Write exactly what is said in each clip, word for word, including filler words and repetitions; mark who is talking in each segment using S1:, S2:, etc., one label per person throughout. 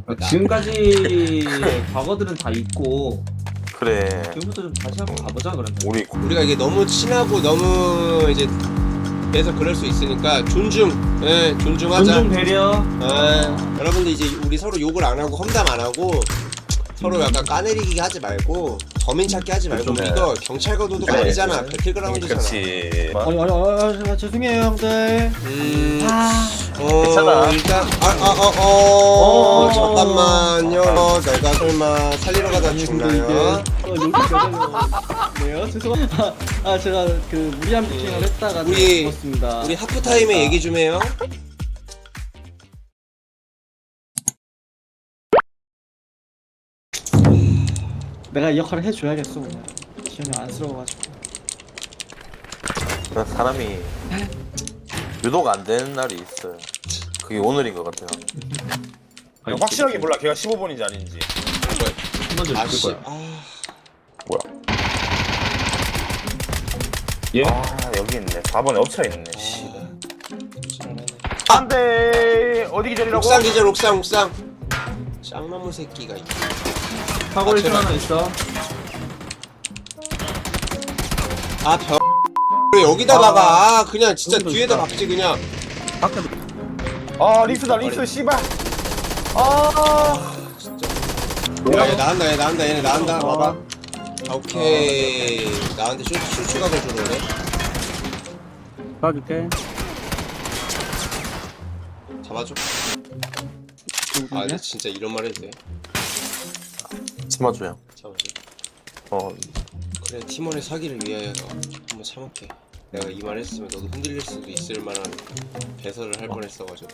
S1: 지금까지 과거들은 다 있고
S2: 그래.
S1: 지금부터 좀 다시 한번 가보자 그러면.
S2: 우리
S3: 우리가 이게 너무 친하고 너무 이제 그래서 그럴 수 있으니까 존중, 예, 존중하자.
S1: 존중 배려.
S3: 예, 여러분들 이제 우리 서로 욕을 안 하고 험담 안 하고 서로 약간 까내리기 하지 말고 범인 찾기 하지 말고
S2: 좀 해.
S3: 이거 경찰과 도도가
S2: 그래,
S3: 아니잖아.
S2: 그래.
S3: 배틀그라운드잖아.
S2: 그렇지.
S4: 아니 아니 아니 아, 죄송해요 형들.
S3: 음,
S4: 아,
S3: 어,
S2: 괜찮아.
S3: 일단 아아어 어,
S1: 어.
S3: 잠깐만요. 어, 내가 설마 살리러 가다 죽나요?
S4: 어 여기 네요 죄송합니다. 아 제가 그 무리한 피킹을 했다가
S3: 우리-
S4: 죽었습니다.
S3: 우리 하프타임에 얘기 좀 해요.
S4: 내가 이 역할을 해줘야겠어 오늘. 지금 안쓰러워가지고.
S2: 사람이 유도가 안 되는 날이 있어요. 그게 오늘인 것 같아요.
S5: 아니, 확실하게 몰라 걔가 십오 번인지 아닌지.
S1: 먼저
S3: 아씨,
S1: 죽을 거야.
S3: 아,
S2: 뭐야?
S1: 예?
S5: 아 여기 있네. 사 번에 엎쳐 있네. 씨.
S3: 아.
S5: 안돼. 어디 기다리라고?
S3: 옥상 기절, 옥상, 옥상. 쌍나무 새끼가 있.
S1: 사고
S3: 아,
S1: 일층
S3: 제발.
S1: 하나 있어.
S3: 아, 벼. 왜 여기다 박아? 아, 그냥 진짜
S1: 여기도
S3: 뒤에다
S1: 있다.
S3: 박지 그냥.
S5: 아 릭스다 릭스 씨발. 아.
S3: 야, 얘 나간다, 얘 나간다, 얘네 나간다. 봐봐. 아, 오케이. 나한테 쇼, 쇼츠각을 주러오네.
S4: 봐줄게.
S3: 잡아줘. 아, 근데 진짜 이런 말 해도 돼.
S2: 참아줘요.
S3: 잡아줘.
S2: 어,
S3: 그래, 팀원의 사기를 위하여 한번 참을게. 내가 이 말 했으면 너도 흔들릴 수도 있을 만한 배설을 할 뻔했어가지고.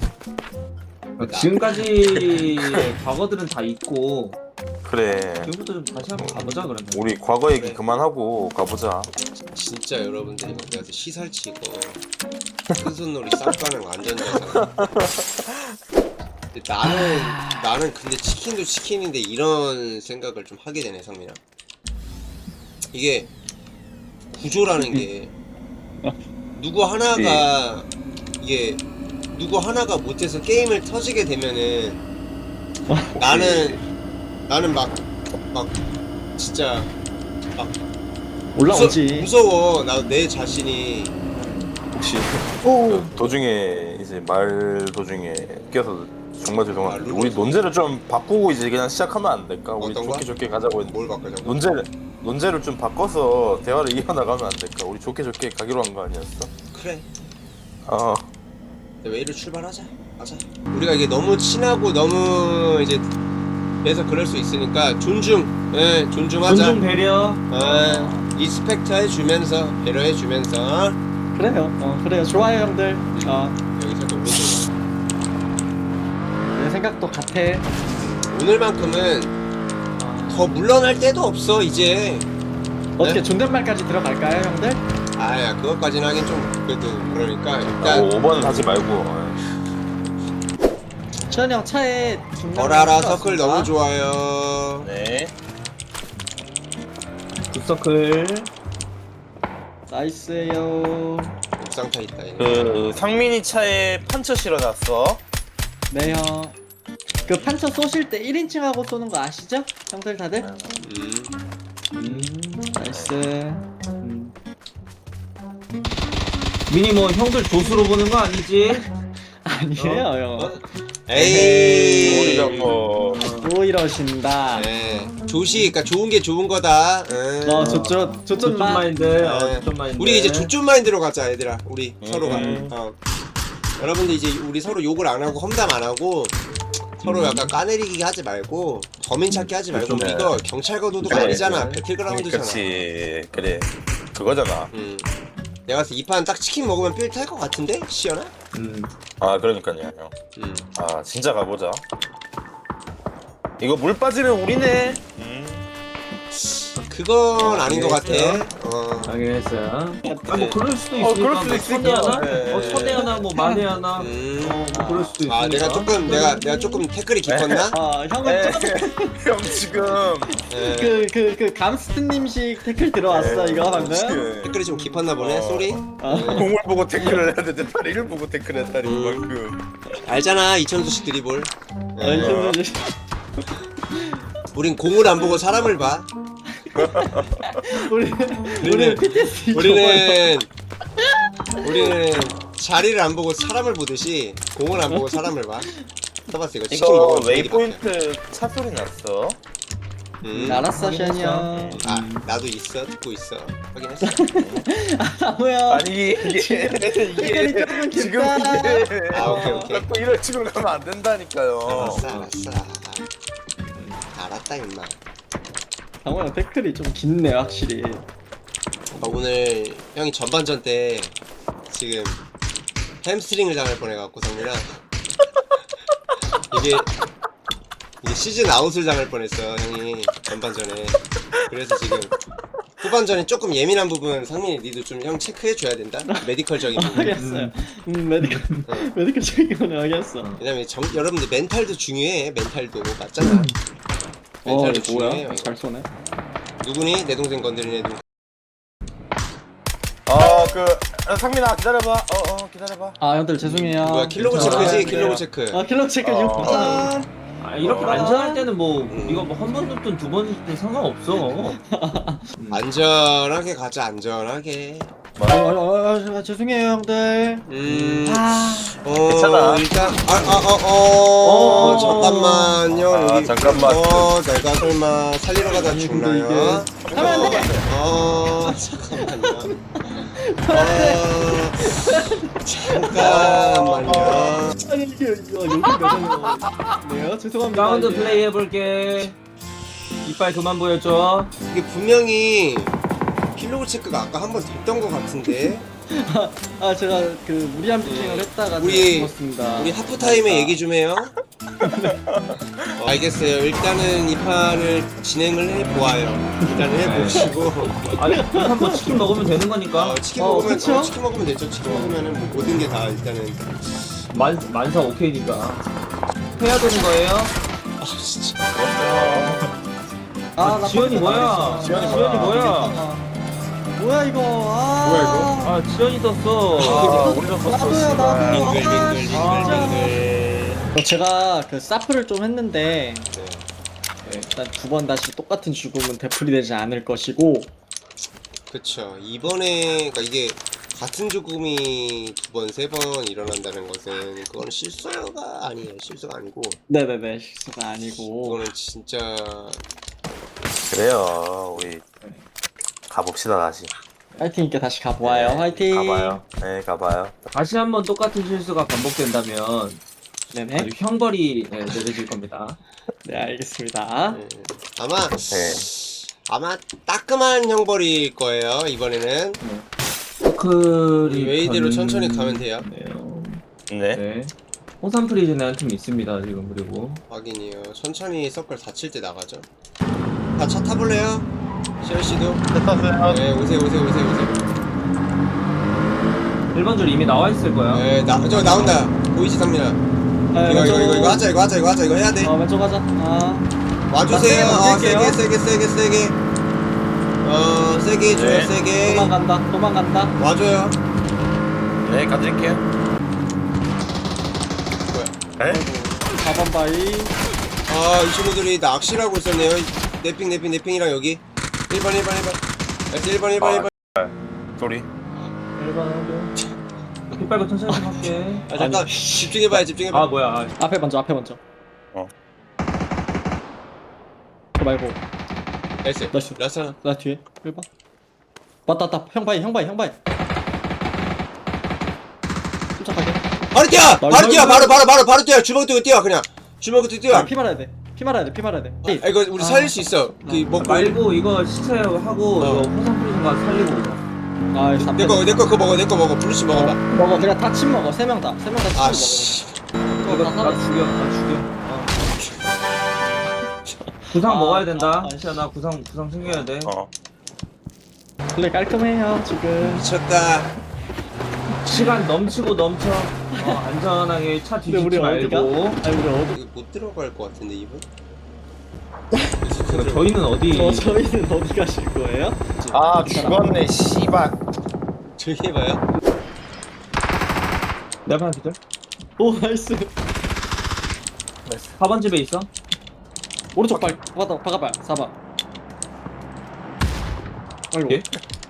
S1: 지금까지 과거들은 다 있고
S2: 그래.
S1: 지금부터 좀 다시 한번 가보자 그러면.
S2: 우리 과거 얘기
S3: 그래.
S2: 그만하고 가보자.
S3: 진짜 여러분들이 막 내가 시살치고 큰손놀이 쌍가는 완전자잖아. 근데 나는 나는 근데 치킨도 치킨인데 이런 생각을 좀 하게 되네 성민아. 이게 구조라는 게 누구 하나가 이게 누구 하나가 못해서 게임을 터지게 되면은 나는 나는 막 막 진짜 막
S4: 올라오지.
S3: 무서, 무서워. 나 내 자신이.
S2: 혹시 그 도중에 이제 말 도중에 끼어서 정말 죄송한데
S3: 아,
S2: 우리
S3: 룰-
S2: 논제를 좀 바꾸고 이제 그냥 시작하면 안 될까? 우리
S3: 어떤
S2: 좋게
S3: 거?
S2: 좋게 가자고 했는데
S3: 뭘 바꾸자고?
S2: 논제를 논제를 좀 바꿔서 대화를 이어나가면 안 될까? 우리 좋게 좋게 가기로 한 거 아니었어?
S3: 그래.
S2: 어.
S3: 웨이로 출발하자. 가자. 우리가 이게 너무 친하고 너무 이제 그래서 그럴 수 있으니까 존중. 예, 존중하자.
S1: 존중 배려.
S3: 예, 리스펙트 해주면서 배려해주면서
S4: 그래요. 어 그래요. 좋아요 형들. 어,
S3: 여기서 또 오른쪽.
S4: 내 생각도 같아.
S3: 오늘만큼은 더 물러날 때도 없어 이제.
S4: 어떻게
S3: 네?
S4: 존댓말까지 들어갈까요 형들?
S3: 아야 그것까지는 하긴 좀 그래도 그러니까
S2: 아,
S3: 일단
S2: 오 번은 하지 말고.
S4: 시현이 형 차에
S3: 벌알아 서클 너무 좋아요.
S5: 네.
S1: 굿서클.
S4: 나이스에요.
S3: 옥상 타 있다 얘네.
S5: 그 상민이 차에 판처 실어놨어.
S4: 네 형. 그 판처 쏘실 때 일 인칭하고 쏘는 거 아시죠? 형들 다들?
S3: 음.
S1: 음.
S4: 나이스. 음.
S1: 미니 뭐 형들 조수로 보는 거 아니지?
S4: 아니에요 형.
S3: 어? 에이.
S5: 우리가 뭐
S4: 또 이러신다.
S3: 네. 조시, 그러니까 좋은 게 좋은 거다. 응.
S4: 어 조쪽 조쪽
S1: 조점
S4: 마.
S1: 마인드.
S3: 네.
S1: 어, 조점 마인드.
S3: 우리 이제 조점 마인드로 가자, 얘들아. 우리
S5: 음.
S3: 서로가. 어. 여러분들 이제 우리 서로 욕을 안 하고 험담 안 하고 서로 약간 까내리기 하지 말고 범인 찾기 하지 말고
S2: 그래.
S3: 이거 경찰과 도도가
S2: 그래,
S3: 아니잖아.
S2: 그래.
S3: 배틀그라운드잖아.
S5: 그렇지. 그래. 그거잖아.
S3: 음. 내가 봤을 때 이 판 딱 치킨 먹으면 삘 탈 것 같은데? 시연아?
S1: 음.
S5: 아 그러니까요 형.
S3: 음.
S5: 아 진짜 가보자. 이거 물 빠지면 우리네. 음.
S3: 그건 아닌 것 같아.
S1: 알겠어요.
S3: 어.
S1: 확인했어요. 아, 뭐 그럴 수도
S5: 어,
S1: 있으니까.
S5: 그럴 수도
S1: 뭐
S5: 있으니까.
S1: 선대 하나?
S5: 네.
S1: 어, 선대 하나, 뭐 만에 하나.
S3: 음.
S1: 어, 뭐 그럴 수도 있으니까.
S3: 아 내가 조금 내가 내가 조금 태클이 깊었나?
S4: 아 형은
S5: 에,
S4: 조금
S5: 형 지금
S3: 예.
S4: 그 그 그 감스트님식 태클 들어왔어 이거 방금.
S5: 지금
S3: 태클이 좀 깊었나 보네.
S5: 어.
S3: 쏘리.
S4: 어.
S3: 예.
S5: 공을 보고 태클을 해야 되는데 다리를 보고 태클했다니 이만큼.
S3: 알잖아 이천수식 드리블.
S4: 어, 이천수
S3: 우린 공을 안 보고 사람을 봐.
S4: 우리 우리 피티에스디
S3: 우리는 우리는 자리를 안 보고 사람을 보듯이 공을 안 보고 사람을 봐. 써봤어 이거 치킨
S5: 이거
S3: 먹으면 분위기 바뀌어.
S5: 웨이포인트 차 소리 났어.
S3: 음.
S4: 알았어 션이 형.
S3: 아 나도 있어 듣고 있어 확인했어.
S4: 사무야.
S5: 아니 이게
S4: 태클이
S5: 이게
S4: 조금
S5: 지금
S4: 깊다.
S5: 이게
S3: 아, 오케이, 오케이.
S5: 자꾸 이런 식으로 가면 안 된다니까요.
S3: 알았어 알았어. 알았다 임마.
S4: 사무야 태클이 좀 깊네 확실히.
S3: 어, 오늘 형이 전반전 때 지금 햄스트링을 당할 뻔해갖고 성민아 이게 이게 시즌 아웃을 당할 뻔했어 형이 전반전에. 그래서 지금 후반전에 조금 예민한 부분 상민이 니도 좀 형 체크해줘야 된다. 메디컬적인 부분.
S4: 알겠어요. 음 메디컬 메디컬 적인 거는 알겠어.
S3: 왜냐면 정, 여러분들 멘탈도 중요해. 멘탈도 맞잖아.
S4: 어
S3: 멘탈도
S4: 이거
S3: 중요해.
S4: 뭐야? 잘 쏘네.
S3: 누구니? 내 동생 건드린 애도.
S5: 어그 상민아 기다려봐. 어어 기다려봐.
S4: 아 형들 죄송해요.
S3: 뭐야 킬로그
S1: 괜찮아.
S3: 체크지?
S5: 아,
S3: 킬로그 체크.
S4: 아 킬러 체크
S5: 어.
S4: 이거 아,
S1: 아, 이렇게
S5: 어.
S1: 안전할 때는 뭐, 이거 뭐 한 번 눕든 두 번 눕든 상관없어. 음.
S3: 안전하게 가자 안전하게.
S4: 아, 아, 아, 아, 죄송해요 형들.
S3: 음.
S4: 아,
S3: 어,
S5: 괜찮아.
S3: 일단 아아어어
S1: 어.
S3: 잠깐만요.
S5: 아,
S3: 여기.
S5: 잠깐만.
S3: 어 내가 설마 살리러 가다
S4: 아니,
S3: 죽나요?
S4: 근데 하면 안 돼.
S3: 어 잠깐만요. 어 잠깐만요.
S4: 아니 이게 이거 여기 가잖아요. 죄송합니다.
S1: 라운드
S4: 이게.
S1: 플레이 해볼게. 이빨 그만 보여줘.
S3: 이게 분명히 킬로그 체크가 아까 한 번 됐던 것 같은데.
S4: 아 제가 그 무리한 피칭을 했다가
S3: 우리-
S4: 죽었습니다.
S3: 우리 하프타임에 얘기 좀 해요. 어, 알겠어요. 일단은 이 판을 진행을 해보아요. 일단은 해보시고.
S1: 아니, 일단 뭐 치킨 먹으면 되는 거니까.
S3: 어, 치킨
S4: 어,
S3: 먹으면
S4: 그쵸?
S3: 어, 치킨 먹으면 되죠. 치킨 먹으면은 뭐 모든 게 다 일단은.
S1: 만, 만사 오케이니까. 해야 되는 거예요?
S3: 아 진짜.
S4: 아, 나
S1: 지연이
S4: 컴퓨터
S1: 뭐야?
S4: 망했어.
S1: 지연이 지연이 뭐야?
S4: 아, 뭐야 이거? 아,
S3: 뭐야, 이거?
S1: 아, 지연이 떴어.
S5: 아 올렸었어.
S4: 나도야 나도.
S3: 빙글
S4: 아,
S3: 빙글
S1: 아.
S3: 빙글 빙글.
S4: 어, 제가 그 사프를 좀 했는데
S3: 네.
S4: 네, 일단 두 번 다시 똑같은 죽음은 되풀이되지 않을 것이고.
S3: 그쵸. 이번에 그러니까 이게 같은 죽음이 두 번, 세 번 일어난다는 것은 그건 실수가 아니에요. 실수가 아니고
S4: 네네네 실수가 아니고.
S3: 이거는 진짜
S2: 그래요. 우리 가봅시다 다시.
S4: 파이팅 있게 다시 가보아요.
S2: 네,
S4: 화이팅.
S2: 가봐요. 네 가봐요.
S1: 다시 한번 똑같은 실수가 반복된다면
S4: 네네.
S1: 아주 형벌이 네, 내려질 겁니다.
S4: 네 알겠습니다.
S3: 음, 아마
S2: 네.
S3: 아마 따끔한 형벌일 거예요. 이번에는
S1: 서클이
S3: 웨이대로
S1: 전-
S3: 천천히 가면 돼요.
S1: 네요.
S5: 네.
S1: 네. 호산 프리즌에 한 팀 있습니다 지금. 그리고
S3: 확인이요. 천천히 서클 다칠 때 나가죠. 다 차 타볼래요? 시열 씨도.
S5: 됐었어요.
S3: 네 오세요 오세요 오세요 오세요.
S1: 일반 줄 이미 나와 있을 거야.
S3: 네, 나, 저 나온다. 보이지, 상민아?
S4: 아,
S3: 이거,
S4: 왼쪽.
S3: 이거, 이거, 이거 하자, 이거 하자, 이거 하자, 이거 해야 돼.
S4: 어 왼쪽 가자. 아
S3: 와주세요.
S4: 나
S3: 어,
S4: 세게
S3: 세게,
S4: 넘길게요.
S3: 세게, 세게, 세게. 어, 세게 해줘요,
S5: 네.
S3: 세게.
S4: 도망간다. 도망간다.
S3: 와줘요.
S5: 네 가드릴게요.
S3: 뭐야?
S5: 에?
S4: 사 번 바위.
S3: 아, 이 친구들이 낚시라고 있었네요. 내핑, 내핑, 내핑이랑 여기. 일 번, 일 번, 일 번. 알았어, 일 번, 일 번, 일 번.
S5: 소리.
S1: 일반 하고. 빗발고 천천히 좀 할게.
S3: 아, 잠깐. 집중해봐요, 집중해봐.
S1: 아 뭐야? 아,
S4: 앞에 먼저. 앞에 먼저.
S5: 어.
S4: 그거 말고
S3: 나이스.
S4: 나이스.
S3: 라스 하나.
S4: 나 뒤에 일 번. 맞다 맞다. 형 바위 형 바위 형 바위. 침착하게.
S3: 바로 뛰어! 바로 뛰어! 바로, 바로, 바로, 바로 뛰어! 주먹 들고 뛰어, 그냥. 주먹 들고 뛰어.
S4: 아, 피 말아야 돼. 피 말아야 돼. 피 말아야 돼.
S3: 아, 이거 우리
S4: 아.
S3: 살릴 수 있어. 그, 먹고.
S1: 말고 이거 시체하고
S3: 어.
S1: 이거 호산 프리즌 가서 살리고 오자.
S4: 아, 사
S3: 내 거, 내 거 그거 먹어, 내 거 먹어. 블루씨 먹어봐.
S4: 먹어. 그냥 다 침 먹어. 세 명 다. 세 명 다 침
S3: 아,
S4: 먹어.
S3: 씨.
S1: 이거 나 죽여, 나 죽여. 어. 구상
S4: 아,
S1: 먹어야 된다.
S4: 아,
S1: 시아나 구상 구상 챙겨야 돼.
S5: 어.
S4: 플레이 깔끔해요 지금.
S3: 미쳤다.
S1: 시간 넘치고 넘쳐. 어, 안전하게 차
S4: 근데
S1: 뒤집지
S4: 우리 어디가?
S1: 말고.
S4: 아니 우리 어디?
S3: 이거 못 들어갈 것 같은데 이분?
S1: 그러니까 저희는 어디?
S4: 저 저희는 어디 가실 거예요?
S5: 아 죽었네 씨발.
S3: 저기 해봐요.
S1: 내 앞에 기절.
S4: 오 나이스.
S1: 사 번 집에 있어.
S4: 오른쪽 발 박아 박아봐. 사 번. 아이고.
S1: 예?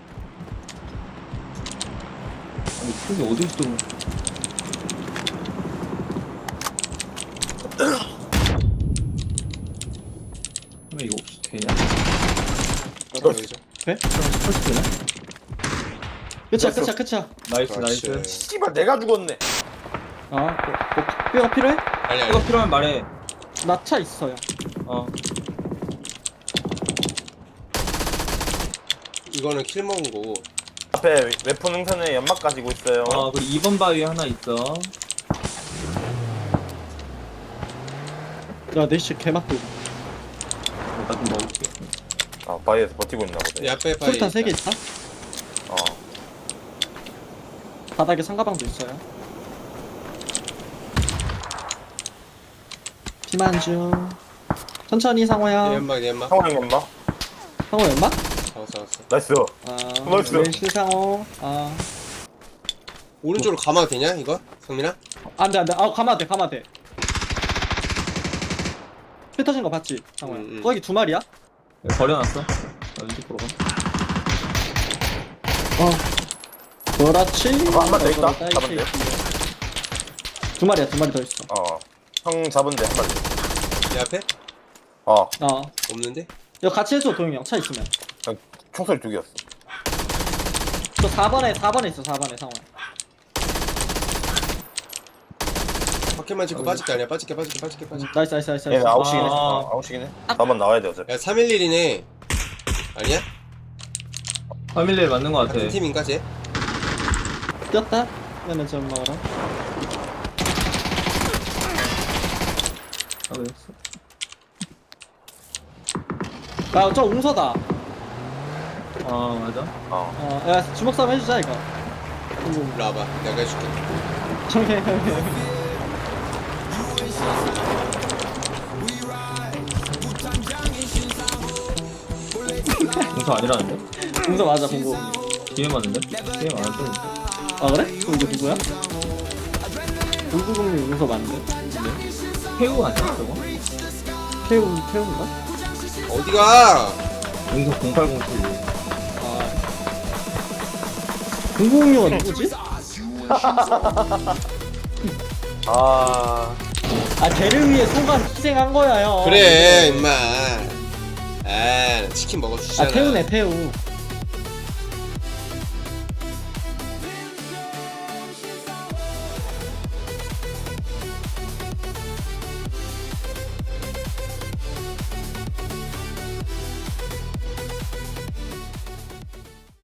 S1: 아니 그게 어디 있어? 왜 이거 혹시 되냐?
S3: 여기죠.
S1: 펄스 되나?
S4: 끝이야 끝이야 끝이야.
S1: 나이스
S3: 그렇지.
S1: 나이스.
S5: 씨발 내가 죽었네.
S4: 아, 뭐, 뭐 뼈가 필요해?
S3: 아니
S1: 이거
S3: 아니.
S1: 필요하면 말해.
S4: 나 차 있어요.
S1: 어.
S3: 이거는 킬 먹은 거고.
S5: 앞에 웨폰 능선에 연막 가지고 있어요.
S1: 어 그리고 이 번 바위 하나 있어.
S4: 야, 내시 개맛도.
S1: 나 좀 먹을게.
S5: 아 바위에서 버티고 있나 보네.
S3: 이 앞에 바위.
S4: 술탄 세 개 있다.
S5: 어.
S4: 바닥에 상가방도 있어요. 피만 중. 천천히 상호야.
S3: 내 연막 내 연막.
S5: 상황 연막.
S4: 상호 연막?
S3: 잡았어 잡았어.
S5: 나이스.
S4: 아,
S5: 나이스.
S4: 왼실 상호. 아,
S3: 오른쪽으로 가마도 되냐 이거? 성민아?
S4: 안돼 안돼. 아, 가면 돼, 가면 돼. 피 터진 거 봤지, 상호야?
S3: 음, 음.
S4: 거기 두 마리야?
S1: 여기 버려놨어. 나 왼쪽 보러 가.
S4: 어. 그렇지.
S5: 어, 한마더 있다?
S4: 나이스.
S5: 잡은 데?
S4: 두 마리야, 두 마리 더 있어.
S5: 어. 형 잡은데 한 마리.
S3: 내 앞에?
S5: 어.
S4: 어.
S3: 없는데?
S4: 이거 같이 해줘, 도영이 형. 차 있으면.
S5: 그냥 총소리 두 개였어.
S4: 저 사 번에, 사 번에 있어, 사 번에, 상호야.
S3: 밖에만 찍고 빠질게 아니야 빠질게 빠질게 빠질게 빠질게.
S4: 나이스, 나이스, 나이스.
S5: 얘는
S4: 나이스.
S5: 아웃식이네.
S1: 아.
S5: 어, 아웃식이네. 사 번 나와야 돼 어차피.
S3: 야 삼일일이네. 아니야?
S1: 파밀리에 맞는 거 같아.
S3: 같은 팀인가 쟤?
S4: 뛰었다. 그러면 좀 먹어라.
S1: 아, 왜 했어?
S4: 야, 저 웅서다.
S1: 아 맞아.
S5: 어.
S4: 어, 야, 주먹 싸움 해주자, 이거. 음,
S3: 일로 와봐 내가 해줄게.
S4: 형해, 형해.
S1: 용서 아니라는데?
S4: 웅서 맞아, 공고.
S1: 뒤에 맞는데? 뒤에 맞는데?
S4: 아, 그래? 그럼 이거 누구야? 공구공님 웅서 맞는데?
S1: 태우 아니야 저거?
S4: 태우, 태우인가?
S3: 어디가?
S1: 용서 공팔공칠.
S4: 아. 공구공님은 누구지?
S5: 아.
S4: 아, 걔를 위해 소가 희생한 거야, 형.
S3: 그래 임마. 아 치킨
S4: 아,
S3: 먹어주잖아.
S4: 태우네, 태우.